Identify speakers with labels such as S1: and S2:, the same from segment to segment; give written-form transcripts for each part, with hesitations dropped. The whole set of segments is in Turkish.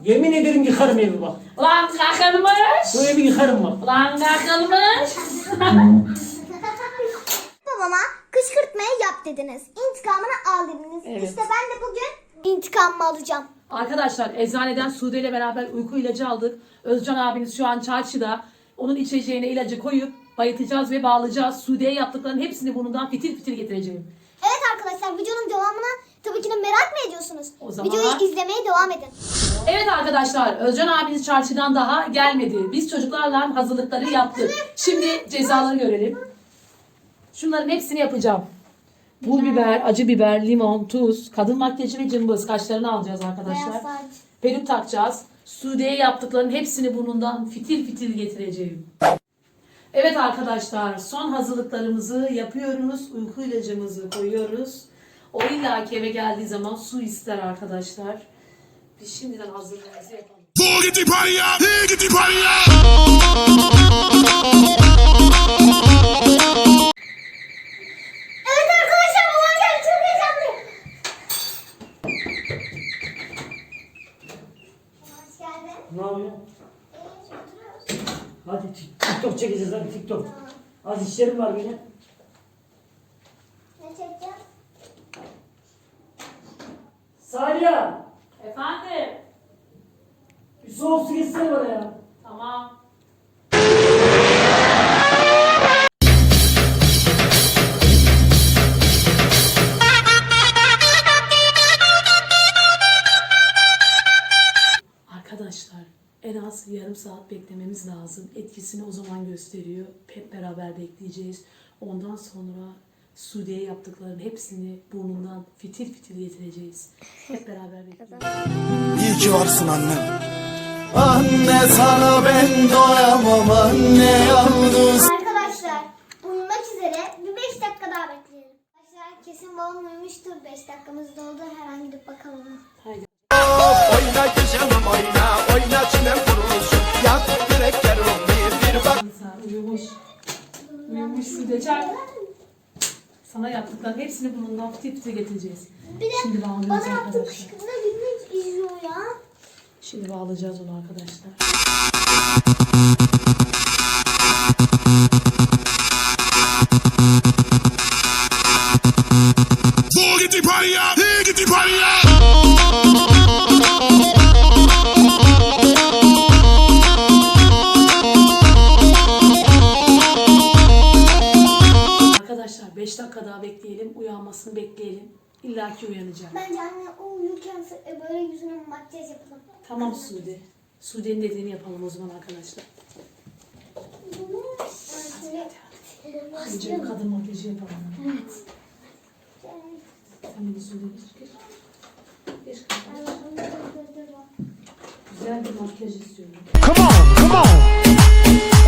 S1: Yemin ederim yıkarım evi bak.
S2: Ulan kakılmış.
S1: Bu evi yıkarım bak.
S2: Ulan kakılmış.
S3: Babama kışkırtmayı yap dediniz. İntikamını al dediniz.
S2: Evet.
S3: İşte ben de bugün intikamımı alacağım.
S2: Arkadaşlar eczaneden Sude ile beraber uyku ilacı aldık. Özcan abiniz şu an çarşıda. Onun içeceğine ilacı koyup bayıtacağız ve bağlayacağız. Sude'ye yaptıklarının hepsini burnundan fitil fitil getireceğim.
S3: Evet arkadaşlar, videonun devamına tabii ki de merak mı ediyorsunuz?
S2: O zaman-
S3: Videoyu izlemeye devam edin.
S2: Evet arkadaşlar, Özcan abiniz çarşıdan daha gelmedi. Biz çocuklarla hazırlıkları yaptık. Şimdi cezaları görelim. Şunların hepsini yapacağım. Pul biber, acı biber, limon, tuz, kadın makyajı ve cımbız. Kaşlarını alacağız arkadaşlar.
S3: Beyaz saç.
S2: Peruk takacağız. Sude'ye yaptıklarının hepsini burnundan fitil fitil getireceğim. Evet arkadaşlar, son hazırlıklarımızı yapıyoruz. Uyku ilacımızı koyuyoruz. O illaki eve geldiği zaman su ister arkadaşlar. Biz şimdiden hazırlığımızı yapalım.
S4: Get the party up! Get the party up!
S3: Evet arkadaşlar, babam geldi, çok heyecanlıyım. Hoş geldin.
S1: Ne yapıyorsun?
S3: Oturuyoruz.
S1: Hadi TikTok çekeceğiz hadi TikTok. Az işlerim var benim.
S3: Ne çekeceğiz?
S1: Salih,
S2: Efendim?
S1: bir soğuk su getirsene bana ya.
S2: Tamam. Arkadaşlar en az yarım saat beklememiz lazım. Etkisini o zaman gösteriyor. Hep beraber bekleyeceğiz. Ondan sonra Sude'ye yaptıklarının hepsini burnundan fitil fitil getireceğiz. Hep beraber bekleyeceğiz.
S4: İyi ki varsın annem. Anne sana ben doyamam anne yalnız.
S3: Arkadaşlar, uyumak üzere. Bir 5 dakika daha bekleyelim. Arkadaşlar kesin babam uyumuştur. 5 dakikamız doldu. Hemen gidip bakalım.
S2: Haydi.
S4: Oyna güzelim oyna, oyna çinem kurulsun. Yak yürekler bir bak.
S2: Sen uyumuş. Uyumuş Sude çağır. Sana yaptıklarının hepsini burnundan fitil fitil getireceğiz.
S3: Bir de
S2: Şimdi bağlıyoruz
S3: bana yaptığı
S2: arkadaşlar.
S3: kışkırtma gününü izliyor ya.
S2: Şimdi bağlayacağız onu arkadaşlar.
S4: Get the party up! Get the party up!
S2: Arkadaşlar 5 dakika daha bekleyelim. Uyanmasını bekleyelim. İlla ki uyanacak.
S3: Bence anne o uyurken böyle yüzüne makyaj yapalım.
S2: Tamam Sude. Sude'nin dediğini yapalım o zaman arkadaşlar. Önce bir kadın makyajı yapalım.
S3: Evet.
S2: Sen beni Sude geç. Geç kardeşim. Güzel bir makyaj istiyorum.
S4: Come on, come on!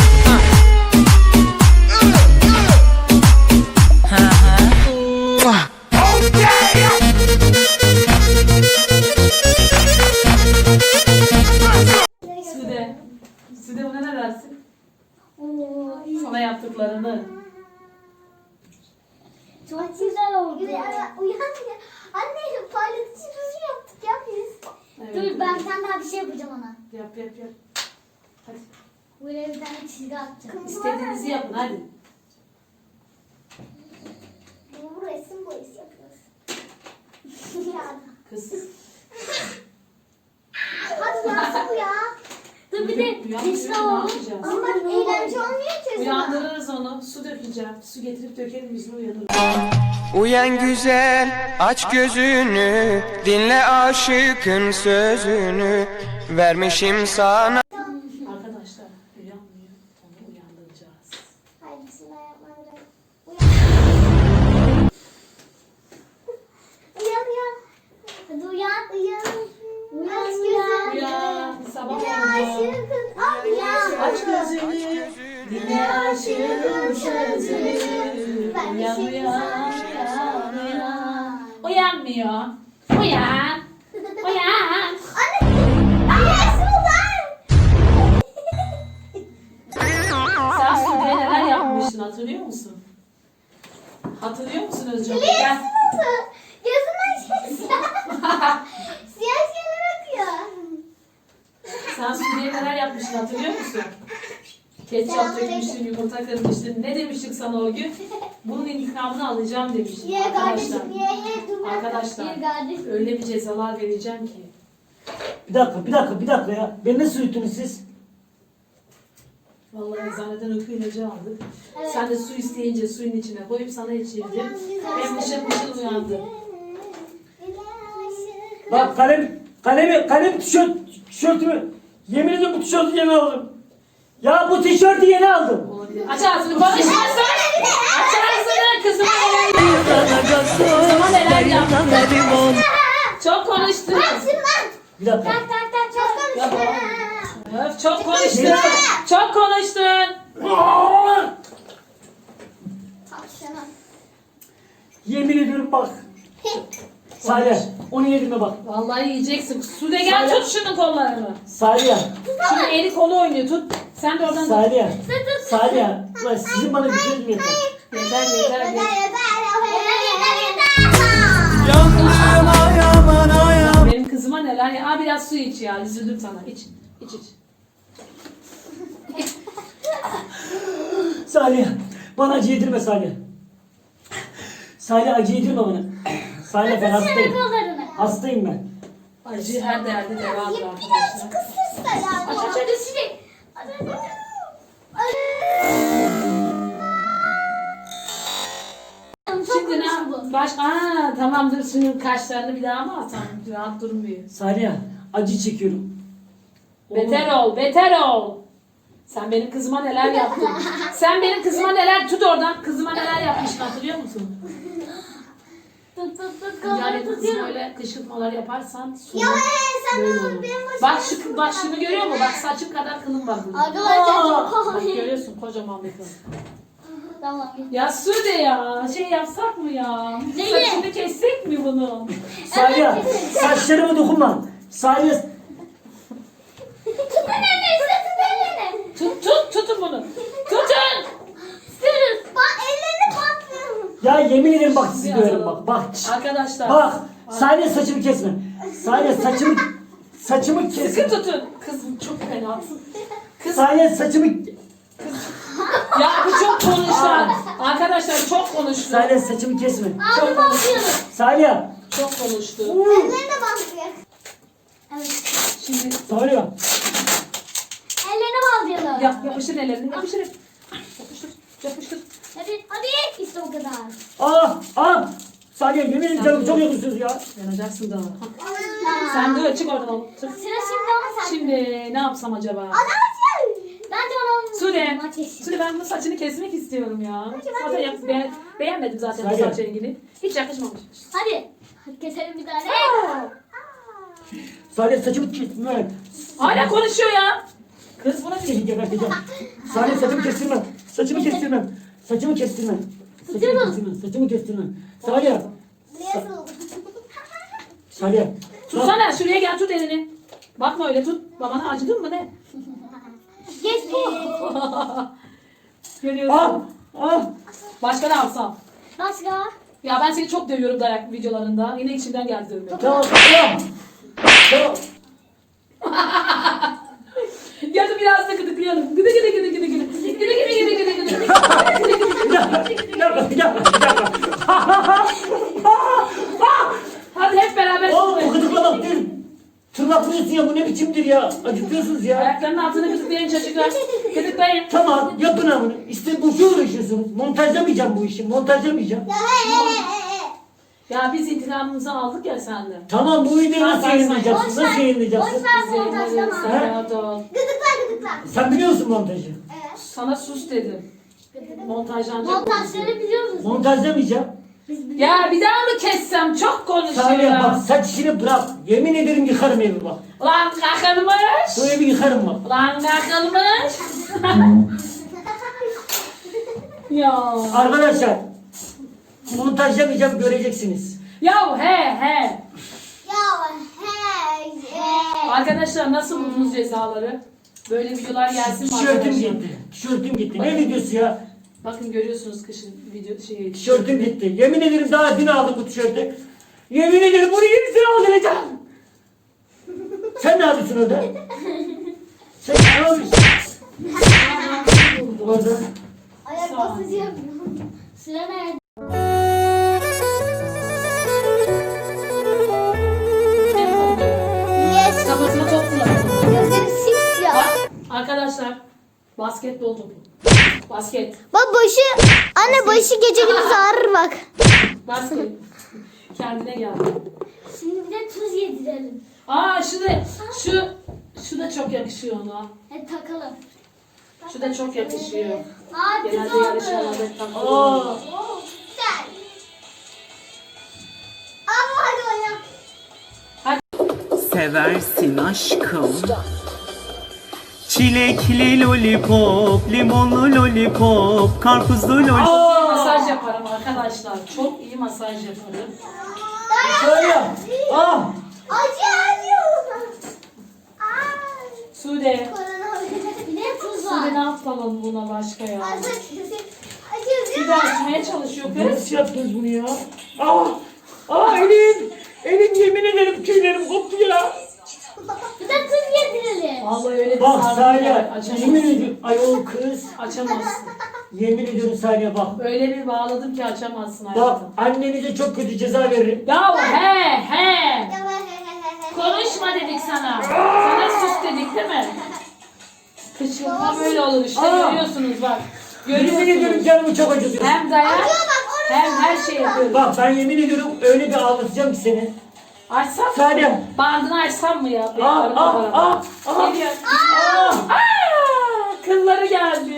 S2: Sude. Sude buna ne dersin? Sana yaptıklarını.
S3: Çok güzel oldu. Uyan ya. Anne parlatıcı ruju yaptık ya biz.
S2: Evet.
S3: Dur ben bir tane daha bir şey yapacağım ona.
S2: Yap. Hadi.
S3: Buraya bir tane çizgi atacağım.
S2: İstediğinizi yapın hadi.
S3: Bu resim boyası yapıyoruz. Ya.
S2: Kız.
S3: Hadi yansın bu ya. Dur bir de
S2: Uyanmıyor,
S3: resim
S2: ne
S3: alalım.
S2: yapacağız?
S3: Ama bak eğlence olmuyor ki.
S2: Uyandırırız onu. Su dökeceğim. Su getirip dökelim yüzünü uyanır.
S5: Uyan güzel, aç gözünü, dinle aşıkın sözünü, vermişim sana.
S2: Arkadaşlar uyanmıyor. Onu uyandıracağız.
S3: Haydi bismillahirrahmanirrahim. Uyan. Uyan. Hadi uyan. Aç gözünü.
S2: Uyan. Sabah
S3: Dinle
S2: oldu.
S3: aşıkın. Al uyan.
S2: Aç gözünü. Dinle aşığın sözünü. Uyan uyan. Uyanmıyor. Uyan. Uyan.
S3: Anne Sultan.
S2: Sen Sude'ye neler yapmıştın hatırlıyor musun? Hatırlıyor musun Özcan? Gel.
S3: Nasıl? Gözümden şey siyah. Siyah şeyler akıyor.
S2: Sen Sude'ye neler yapmıştın hatırlıyor musun? Ketçap dökmüştün, yumurta kırmıştın. Ne demiştik sana o gün? Bunun intikamını alacağım demiştin.
S3: Ye
S2: Arkadaşlar.
S3: kardeşim ye dur.
S2: Arkadaşlar.
S3: Ye kardeşim.
S2: Öyle bir cezalar vereceğim ki.
S1: Bir dakika ya. Beni nasıl uyuttunuz siz?
S2: Vallahi eczaneden uyku ilacı aldık.
S3: Evet.
S2: Sen de su isteyince suyun içine koyup sana içirdim. Hem mışıl mışıl uyandı.
S1: Bak kalem tişörtümü. Yemin ediyorum bu tişörtü yeni aldım. Ya bu tişörtü yeni aldım.
S2: Olabilir. Aç ağzını konuşmasın. Aç ağzını kızıma neler yaptın. Kızıma neler yaptın. Çok konuştun.
S1: Bir dakika.
S2: Ya Öf, çok konuştun. Çok konuştun.
S1: Yemin ediyorum bak. Salih onu yedirme bak.
S2: Vallahi yiyeceksin. Sude gel tut şunun kollarını.
S1: Salih.
S2: Şimdi eli kolu oynuyor tut. Sen de oradan tut.
S1: Salih. Ulan sizin bana gücünüz yeter.
S2: Yeter.
S4: Yandım ayaman ayam.
S2: Benim kızıma neler ya. Aa biraz su iç ya. Üzüldüm sana. İç.
S1: Salih bana acı yedirme Salih. Salih acı yedirme bana. Salih ben hastayım. Hastayım ben.
S2: Acı her derde devadır arkadaşlar. Aç Şimdi ne tamamdır şunun kaşlarını bir daha mı atalım? Rahat durmuyor.
S1: Salih acı çekiyorum.
S2: Beter ol. Sen benim kızıma neler yaptın? Sen benim kızıma neler tut oradan. Kızıma neler yapmışsın hatırlıyor musun? Yani kızım öyle kışkırtmalar yaparsan sonu böyle olur. Bak şunu görüyor musun? Bak saçım kadar kılım var burada. Bak görüyorsun kocaman bir kıl.
S3: Tamam.
S2: Ya Sude ya şey yapsak mı ya?
S3: Neyi?
S2: Saçını kessek mi bunu?
S1: Salih saçlarıma dokunma. Salih
S2: Tutun bunu. Tutun.
S3: Bak ellerini patlıyor.
S1: ya yemin ederim bak sizi diyorum bak.
S2: Arkadaşlar.
S1: Bak Salih saçımı kesme. Salih saçımı
S2: Sıkı
S1: kesme.
S2: tutun. Kızım çok fenasın.
S1: Salih saçımı
S2: Ya bu çok konuştu. Arkadaşlar çok konuştu.
S1: Salih saçımı kesme.
S2: Çok konuştu.
S1: Salih.
S2: Çok konuştu.
S3: Ellerini de patlıyor. Evet.
S2: Şimdi
S1: Salih.
S3: Ellerini bağlayalım.
S2: yapıştır ellerini. Yapıştır.
S3: Hadi. İşte o kadar.
S1: Salih yemin ederim canım çok yakışıyorsunuz ya.
S2: Yanacaksın daha. Sen de çık oradan oğlum. Çık.
S3: Sıra şimdi ama sen.
S2: Şimdi ne yapsam acaba?
S3: Bence onun
S2: Sude.
S3: ateşi.
S2: Sude ben bu saçını kesmek istiyorum ya. Zaten beğenmedim zaten bu
S1: Salih.
S2: saç rengini. Hiç yakışmamış.
S3: Hadi. Hadi keselim bir tane.
S1: Salih saçımı kesme.
S2: Hala konuşuyor ya. Kız buna
S1: Seni geberteceğim. Salih saçımı kestirmem. Saçımı kestirmem. Saçımı kestirmem. Saçımı kestirmem. Salih.
S3: Nasıl oldu?
S1: Salih.
S2: Tutsana şuraya gel tut elini. Bakma öyle tut. Babana acıdın mı ne?
S3: Geç bu.
S2: Görüyorsun. Başka ne yapsam?
S3: Başka?
S2: Ya ben seni çok dövüyorum dayak videolarında. Yine içimden geldi dövmek.
S1: Tamam.
S2: Ya da biraz da gıdıklayalım. Gıdı.
S1: Bir dakika.
S2: Hadi hep beraber
S1: Oğlum bu
S2: tutmayın.
S1: gıdıklamak değil. Tırnaklıyorsun ya bu ne biçimdir ya. Acıtıyorsunuz ya.
S2: Ayaklarının altını gıdıklayın çocuklar. Gıdıklayın.
S1: Tamam yapın amını. İşte boşu uğraşıyorsunuz. Montajlamayacağım bu işi. Montajlamayacağım.
S2: Ya biz intikamımızı aldık ya senden.
S1: Tamam bu videoyu nasıl
S2: Sen-
S1: yayınlayacaksın?
S3: Boş ver.
S1: Nasıl yayınlayacaksın?
S3: Boş ver
S2: Zeynep
S3: montajlama.
S2: sen rahat ol.
S3: Gıdıkla.
S1: Sen biliyorsun montajı.
S3: Evet.
S2: Sana sus dedim. Montajlanacak.
S3: Montajları biliyoruz.
S1: Montajlamayacağım.
S2: Ya bir daha mı kessem? Çok konuşuyor
S1: Salih
S2: ya.
S1: bak saç işini bırak. Yemin ederim yıkarım evi bak.
S2: Lan kakılmış.
S1: Bu evi yıkarım bak.
S2: Lan kakılmış. Ya.
S1: Arkadaşlar montajlamayacağım göreceksiniz.
S2: Ya he.
S3: Ya hey.
S2: Arkadaşlar nasıl buldunuz cezaları? Böyle videolar gelsin mi
S1: Tişörtüm
S2: arkadaşlar?
S1: gitti. Tişörtüm gitti. Ne videosu ya?
S2: Bakın görüyorsunuz kışın video
S1: Tişörtüm gitti. Yemin ederim daha dün aldım bu tişörtü. Yemin ederim bunu yenisini aldıracağım. Sen ne yapıyorsun orada? Sen ne yapıyorsun? Orada.
S3: Ayak basıcı yapıyorum. Sıra nerede? Yes.
S2: Kafasına top fırlattım.
S3: Gözleri simsiyah.
S2: Bak arkadaşlar basketbol topu. Basket.
S3: Bak başı. Anne başı gece gündüz ağrır bak.
S2: Basket. Kendine gel.
S3: Şimdi bir de tuz yedirelim.
S2: Aa şu da çok yakışıyor ona.
S3: Hadi takalım.
S2: Şu da çok yakışıyor.
S3: Aa tuz
S2: Genelde
S3: oldu.
S2: yarışmalarda hep takılıyor.
S1: Aa.
S3: Güzel. Ama hadi oyna.
S6: Seversin aşkım. Çilekli lollipop, limonlu lollipop, karpuzlu lollipop.
S2: Masaj yaparım arkadaşlar. Çok iyi masaj yaparım.
S1: Söyle. Ah.
S3: Acı.
S2: Sude.
S3: Bir de tuz
S2: Sude
S3: var.
S2: ne yapalım buna başka ya?
S3: Acı.
S2: Sude açmaya çalışıyor kız.
S1: Nasıl yaptınız bunu ya? Ah. Ah elim. Elim yemin ederim tüylerim koptu ya.
S3: Bir de tuz yedirelim.
S2: Vallahi öyle bir
S1: Bak
S2: sardı ki
S1: Salih.
S2: açamazsın.
S1: Yemin ediyorum. Ayol kız.
S2: Açamazsın.
S1: Yemin ediyorum Salih bak.
S2: Öyle bir bağladım ki açamazsın
S1: Bak
S2: hayatım.
S1: annenize çok kötü ceza veririm.
S2: Ya he. Konuşma dedik sana. Sana sus dedik değil mi? Kışkırtma böyle olur işte
S1: Aa.
S2: görüyorsunuz bak.
S1: Yemin ediyorum
S2: Görüyorsunuz.
S1: canımı çok acıtıyor.
S2: Hem dayak hem her şey yapıyoruz.
S1: Bak ben yemin ediyorum öyle bir ağlatacağım ki seni.
S2: Açsam mı?
S1: Salih.
S2: Bandını açsam mı ya?
S1: Ah.
S2: Geliyor. Aa, kılları geldi.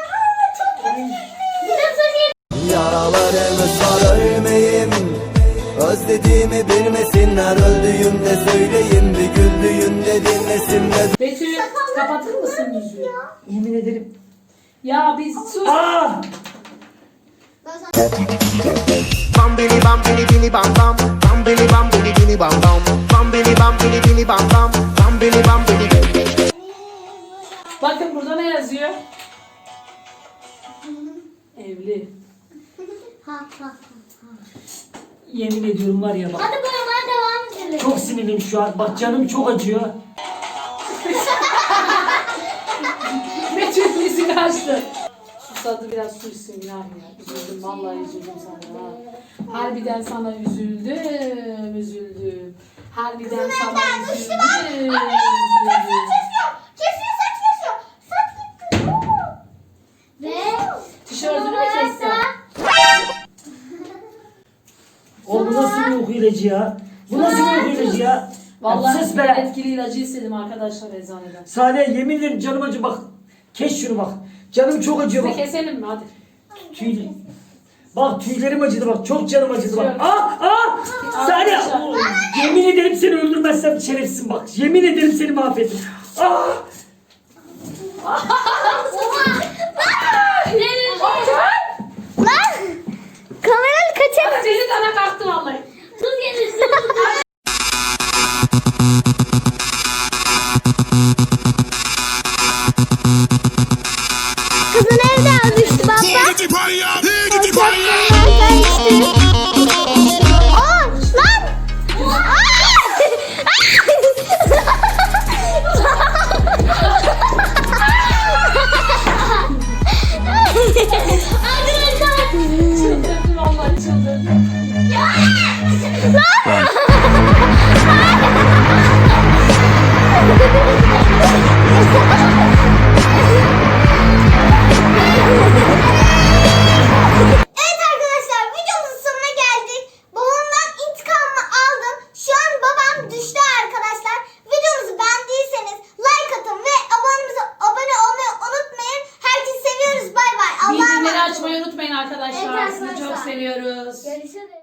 S3: Bir de tuz
S4: Yaralarımı sarılmayayım. Özlediğimi bilmesinler. Öldüğümde söyleyin, bir güldüğümde dinlesinler.
S2: Betül kapatır mısın yüzüğü?
S1: Yemin ederim.
S2: Ya biz sus.
S1: Ah.
S7: Bam bini bam bini bini bam bam. Bam bini bam bini bini bam bam. Bam bini bam bini bini bam bam. Bam bini bam bini.
S2: Bakın burada ne yazıyor? Evli.
S1: Yemin ediyorum var ya bak.
S3: Hadi boyamaya devam edelim.
S1: Çok sinirliyim şu an. Bak canım çok acıyor.
S2: Betül yüzünü açtı. Susadı biraz su içsin günah ya. Üzüldüm vallahi üzüldüm sana. Ha. Harbiden sana üzüldüm. Harbiden sana üzüldüm.
S3: Kesiyor saç kesiyor. Saç kesiyor. Ve
S2: Tişörtünü mü kestin?
S1: O bu nasıl bir uyku ilacı ya? Bu nasıl bir uyku ilacı ya?
S2: Vallahi
S1: Ya sus
S2: ben
S1: be.
S2: etkili ilacı istedim arkadaşlar eczaneden.
S1: Salih yemin ederim canım acıyor bak. Kes şunu bak. Canım çok acıyor
S2: Size
S1: bak.
S2: keselim mi hadi?
S1: Tüy... Bak tüylerim acıdı bak. Çok canım acıdı bak.
S2: Kesiyorum.
S1: Salih.
S2: Arkadaşlar.
S1: Yemin ederim seni öldürmezsem şerefsizim bak. Yemin ederim seni mahvettim.
S3: lan kameranı kaçır.
S2: Seni sana kalktı vallahi.
S3: Tuz yedirsin. Kızın evde düştü baba. Aa lan.
S2: Çıldırdım vallahi çıldırdım.
S3: Evet arkadaşlar videomuzun sonuna geldik. Babamdan intikamımı aldım. Şu an babam düştü arkadaşlar. Videomuzu beğendiyseniz like atın ve abone olmayı unutmayın. Herkesi seviyoruz. Bay bay. Allah'a
S2: Bildirimleri
S3: emanet olun.
S2: açmayı unutmayın arkadaşlar.
S3: Evet
S2: Sizi çok
S3: arkadaşlar.
S2: seviyoruz.
S3: Görüşürüz.